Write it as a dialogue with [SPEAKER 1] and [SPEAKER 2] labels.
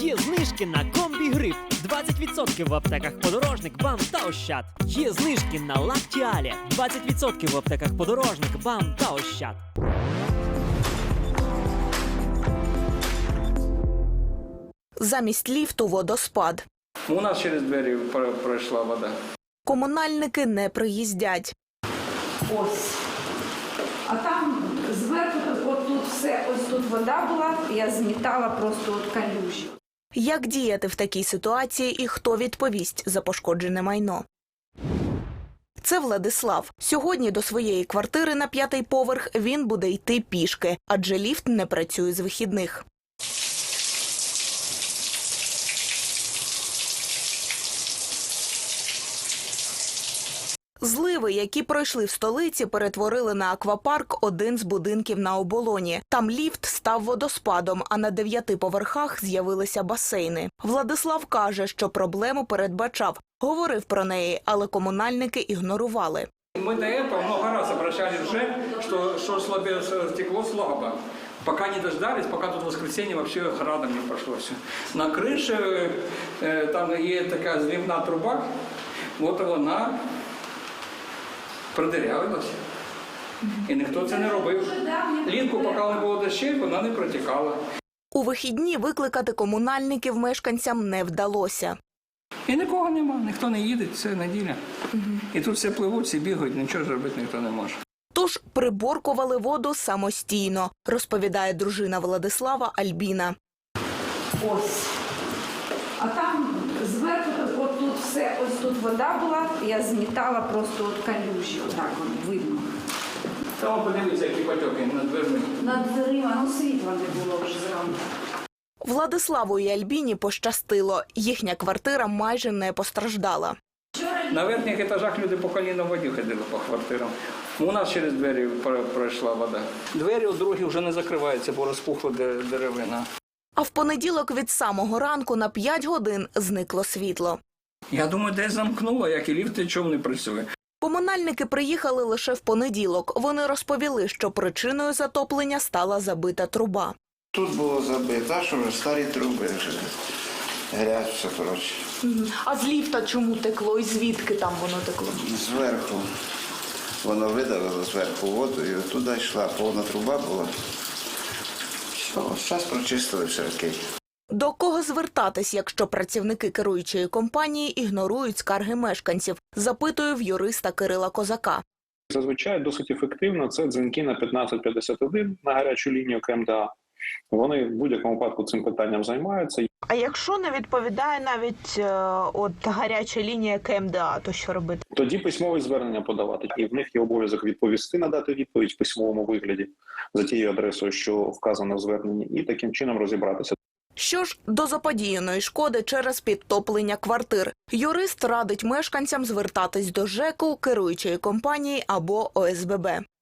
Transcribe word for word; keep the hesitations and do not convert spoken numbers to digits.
[SPEAKER 1] Є знижки на комбі-гриф. двадцять відсотків в аптеках Подорожник, БАМ та Ощад. Є знижки на Лактіалі. двадцять відсотків в аптеках Подорожник, БАМ та Ощад.
[SPEAKER 2] Замість ліфту – водоспад.
[SPEAKER 3] У нас через двері пройшла вода.
[SPEAKER 2] Комунальники не приїздять.
[SPEAKER 4] Ось. А там зверху, от тут все, ось тут вода була, я змітала просто от калюжі.
[SPEAKER 2] Як діяти в такій ситуації і хто відповість за пошкоджене майно? Це Владислав. Сьогодні до своєї квартири на п'ятий поверх він буде йти пішки, адже ліфт не працює з вихідних. Зливи, які пройшли в столиці, перетворили на аквапарк один з будинків на Оболоні. Там ліфт став водоспадом, а на дев'яти поверхах з'явилися басейни. Владислав каже, що проблему передбачав. Говорив про неї, але комунальники ігнорували.
[SPEAKER 3] Мы до этого много раз обращались уже, что, что слабее стекло слабо. Пока не дождались, пока тут в воскресенье вообще градом не прошло все. На крыше э, там есть такая зливная труба, вот вона продырявилась. І ніхто це не робив. Літку, поки не було дощів, вона не протікала.
[SPEAKER 2] У вихідні викликати комунальників мешканцям не вдалося.
[SPEAKER 3] І нікого нема, ніхто не їде, це неділя. Угу. І тут всі пливуть, всі бігають, нічого зробити ніхто не може.
[SPEAKER 2] Тож приборкували воду самостійно, розповідає дружина Владислава Альбіна.
[SPEAKER 4] Ось. А там зверху, от тут все, ось тут вода була, я змітала просто от калюжі, отак воно видно.
[SPEAKER 3] Там подивіться, які потоки над дверми.
[SPEAKER 4] Над дверима, ну світла не було вже зранку.
[SPEAKER 2] Владиславу і Альбіні пощастило. Їхня квартира майже не постраждала.
[SPEAKER 3] На верхніх етажах люди по коліна в воді ходили по квартирам. У нас через двері пройшла вода. Двері у другі вже не закриваються, бо розпухла деревина.
[SPEAKER 2] А в понеділок від самого ранку на п'ять годин зникло світло.
[SPEAKER 3] Я думаю, десь замкнуло, як і ліфт нічого не працює.
[SPEAKER 2] Комунальники приїхали лише в понеділок. Вони розповіли, що причиною затоплення стала забита труба.
[SPEAKER 5] Тут було забито, а що вже старі труби вже. Грязь все, коротше.
[SPEAKER 2] А з ліфта чому текло і звідки там воно текло?
[SPEAKER 5] Зверху. Воно видавило зверху воду і туди йшла. Повна труба була. Все, зараз прочистили все окей.
[SPEAKER 2] До кого звертатись, якщо працівники керуючої компанії ігнорують скарги мешканців? Запитую в юриста Кирила Козака.
[SPEAKER 6] Зазвичай досить ефективно це дзвінки на п'ятнадцять п'ятдесят один на гарячу лінію КМДА. Вони в будь-якому випадку цим питанням займаються.
[SPEAKER 2] А якщо не відповідає навіть е, от гаряча лінія КМДА, то що робити?
[SPEAKER 6] Тоді письмове звернення подавати. І в них є обов'язок відповісти, надати відповідь в письмовому вигляді за тією адресою, що вказано в зверненні, і таким чином розібратися.
[SPEAKER 2] Що ж до заподіяної шкоди через підтоплення квартир? Юрист радить мешканцям звертатись до ЖЕКу, керуючої компанії або О С Б Б.